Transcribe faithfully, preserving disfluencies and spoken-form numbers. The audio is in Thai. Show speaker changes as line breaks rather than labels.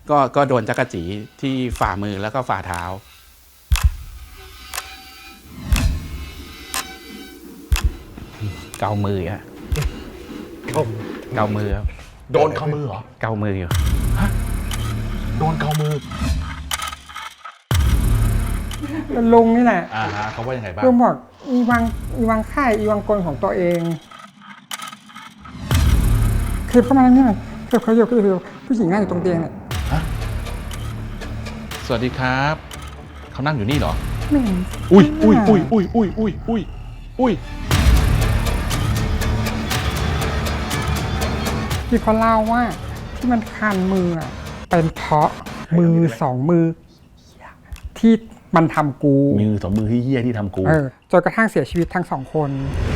ก็ก็โดนจักรจีที่ฝ่ามือแล้วก็ฝ่าเท้าเกามืออะเกาเกามือครับ
โดนเกามือเหรอ
เกามืออยู่
โดนเกามือ
ลุงนี่แหละ
อ่าฮะเขาว่ายังไงบ้าง
ลุงบอกอีวังอีวังค่ายอีวังกลของตัวเองคือเข้ามาแล้วนี่คือเขาอยู่คือผู้หญิงนั่งอยู่ตรงเตียงเนี่ย
สวัสดีครับเขานั่งอยู่นี่เหรอ
ไม่เห็น
อุ้ยอุ้ยอุ้ยอุ้ยอุ้ยอุ้ยอุ้ยอุ้ย
ที่เขาเล่าว่าที่มันคันมืออะเป็นเพราะมือสองมือ ที่มันทำกู
มือสองมือที่เหี้ยที่ทำกู
เออจนกระทั่งเสียชีวิตทั้งสองคน